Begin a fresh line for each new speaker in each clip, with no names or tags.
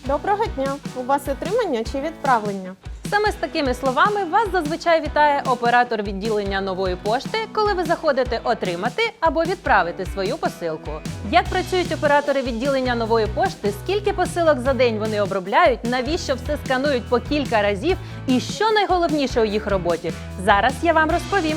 Доброго дня! У вас отримання чи відправлення?
Саме з такими словами вас зазвичай вітає оператор відділення Нової пошти, коли ви заходите отримати або відправити свою посилку. Як працюють оператори відділення Нової пошти, скільки посилок за день вони обробляють, навіщо все сканують по кілька разів і що найголовніше у їх роботі, зараз я вам розповім.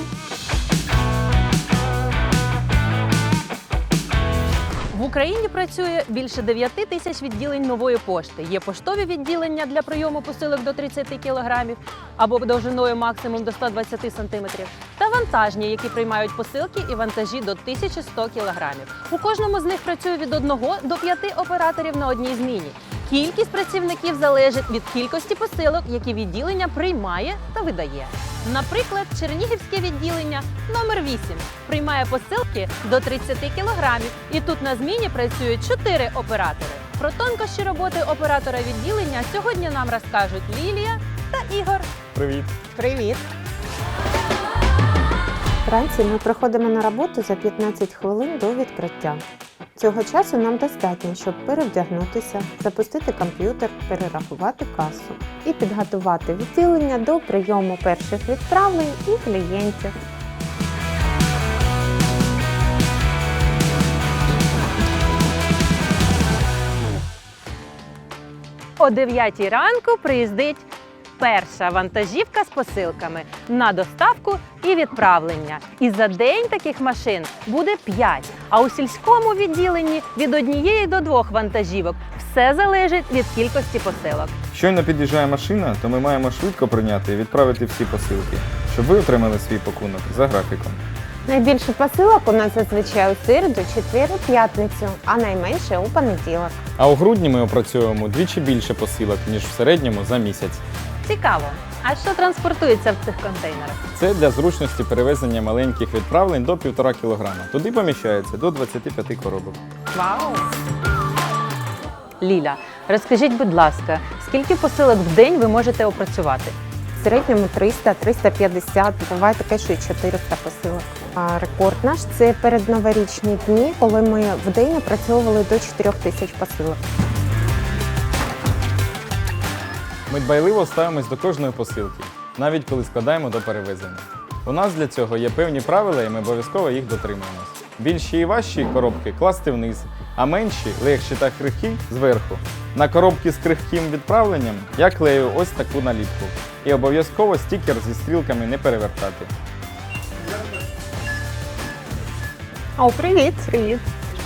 В Україні працює більше 9 тисяч відділень Нової пошти. Є поштові відділення для прийому посилок до 30 кілограмів або довжиною максимум до 120 сантиметрів, та вантажні, які приймають посилки і вантажі до 1100 кілограмів. У кожному з них працює від 1 до 5 операторів на одній зміні. Кількість працівників залежить від кількості посилок, які відділення приймає та видає. Наприклад, Чернігівське відділення номер 8 приймає посилки до 30 кілограмів, і тут на зміні працюють 4 оператори. Про тонкощі роботи оператора відділення сьогодні нам розкажуть Лілія та Ігор.
Привіт!
Привіт! Вранці ми приходимо на роботу за 15 хвилин до відкриття. Цього часу нам достатньо, щоб перевдягнутися, запустити комп'ютер, перерахувати касу і підготувати відділення до прийому перших відправлень і клієнтів.
О 9 ранку приїздить перша вантажівка з посилками на доставку і відправлення. І за день таких машин буде 5, а у сільському відділенні від 1 до 2 вантажівок. Все залежить від кількості посилок.
Щойно під'їжджає машина, то ми маємо швидко прийняти і відправити всі посилки, щоб ви отримали свій пакунок за графіком.
Найбільше посилок у нас зазвичай у середу, четвер і п'ятницю, а найменше у понеділок.
А у грудні ми опрацьовуємо вдвічі більше посилок, ніж в середньому за місяць.
Цікаво. А що транспортується в цих контейнерах?
Це для зручності перевезення маленьких відправлень до 1,5 кг. Туди поміщається до 25 коробок.
Вау! Ліля, розкажіть, будь ласка, скільки посилок в день ви можете опрацювати?
В середньому 300-350, буває таке, що і 400 посилок. А рекорд наш – це передноворічні дні, коли ми в день опрацьовували до 4000 посилок.
Ми дбайливо ставимось до кожної посилки, навіть коли складаємо до перевезення. У нас для цього є певні правила, і ми обов'язково їх дотримуємось. Більші і важчі коробки класти вниз, а менші, легші та крихкі – зверху. На коробки з крихким відправленням я клею ось таку наліпку. І обов'язково стікер зі стрілками не перевертати.
О, привіт! Привіт!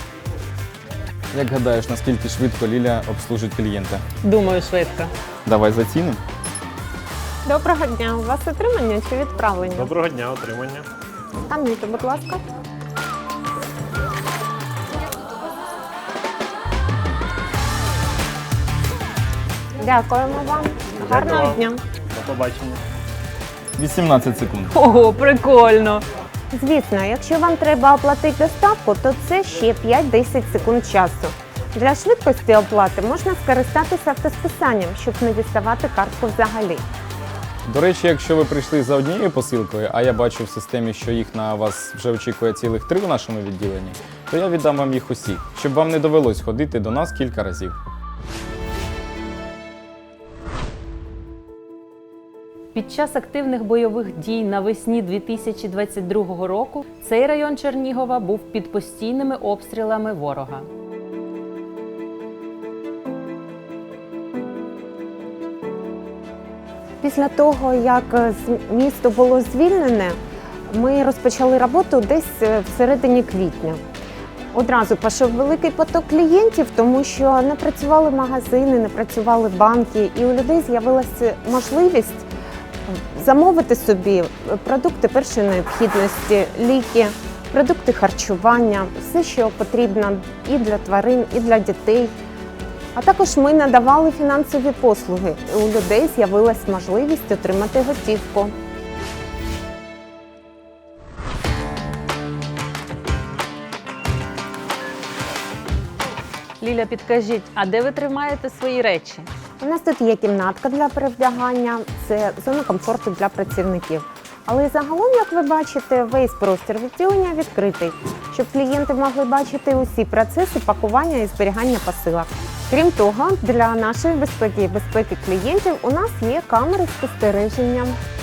Як гадаєш, наскільки швидко Ліля обслужить клієнта?
Думаю, швидко.
Давай зацінимо.
Доброго дня! У вас отримання чи відправлення?
Доброго дня, отримання.
Скануйте, будь ласка. Дякуємо вам. Гарного
вам.
дня.
До побачення.
18 секунд.
Ого, прикольно!
Звісно, якщо вам треба оплатити доставку, то це ще 5-10 секунд часу. Для швидкості оплати можна скористатися автосписанням, щоб не діставати картку взагалі.
До речі, якщо ви прийшли за однією посилкою, а я бачу в системі, що їх на вас вже очікує цілих 3 в нашому відділенні, то я віддам вам їх усі, щоб вам не довелось ходити до нас кілька разів.
Під час активних бойових дій навесні 2022 року цей район Чернігова був під постійними обстрілами ворога.
Після того, як місто було звільнене, ми розпочали роботу десь всередині квітня. Одразу пішов великий поток клієнтів, тому що не працювали магазини, не працювали банки, і у людей з'явилася можливість замовити собі продукти першої необхідності, ліки, продукти харчування, все, що потрібно і для тварин, і для дітей. А також ми надавали фінансові послуги. У людей з'явилась можливість отримати готівку.
Ліля, підкажіть, а де ви тримаєте свої речі?
У нас тут є кімнатка для перевдягання, це зона комфорту для працівників. Але загалом, як ви бачите, весь простір відділення відкритий, щоб клієнти могли бачити усі процеси пакування і зберігання посилок. Крім того, для нашої безпеки і безпеки клієнтів у нас є камери спостереження.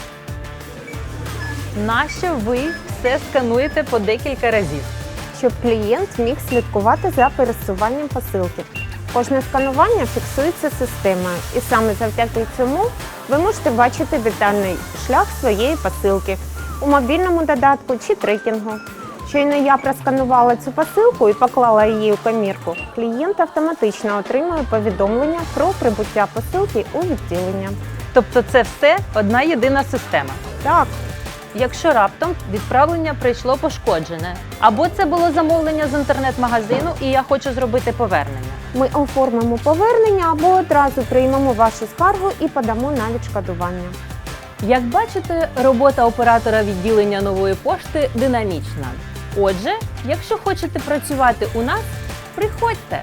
Нащо ви все скануєте по декілька разів?
Щоб клієнт міг слідкувати за пересуванням посилки. Кожне сканування фіксується системою, і саме завдяки цьому ви можете бачити детальний шлях своєї посилки у мобільному додатку чи трекінгу. Щойно я просканувала цю посилку і поклала її у комірку, клієнт автоматично отримує повідомлення про прибуття посилки у відділення.
Тобто це все одна єдина система.
Так,
Якщо раптом відправлення прийшло пошкоджене, або це було замовлення з інтернет-магазину і я хочу зробити повернення.
ми оформимо повернення або одразу приймемо вашу скаргу і подамо на відшкодування.
Як бачите, робота оператора відділення нової пошти динамічна. Отже, якщо хочете працювати у нас, приходьте.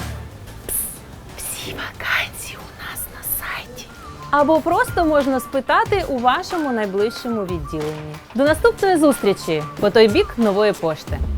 Всі вакансії у нас на сайті. Або просто можна спитати у вашому найближчому відділенні. До наступної зустрічі по той бік нової пошти.